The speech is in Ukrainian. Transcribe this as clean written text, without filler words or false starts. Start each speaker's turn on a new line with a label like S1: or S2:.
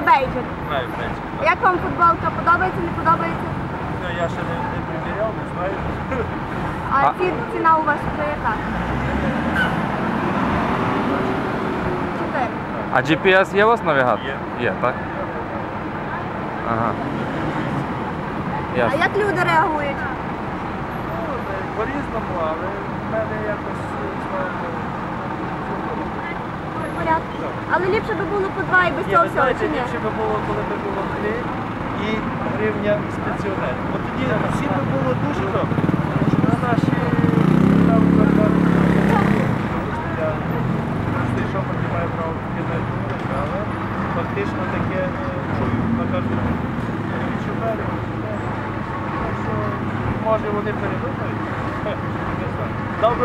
S1: бейджик.
S2: Знаю бейджик.
S1: Як вам футболка? Подобається, не подобається?
S2: Ну, я ще не приміряв, не знаю.
S1: А ціна у вас вже яка? 4.
S3: А GPS є у вас навігатор?
S2: Є.
S3: Є, так? Ага.
S1: А
S3: Ясно.
S1: як люди реагують?
S2: Ну, по-різному, але в мене якось, слава Богу,
S1: В порядку. Але ліпше би було по 2 і без цього
S2: ви
S1: всього,
S2: знаєте,
S1: чи ні?
S2: ліпше би було, коли б було 3 і гривня з пенсіонерів. От тоді всім би було дуже добре.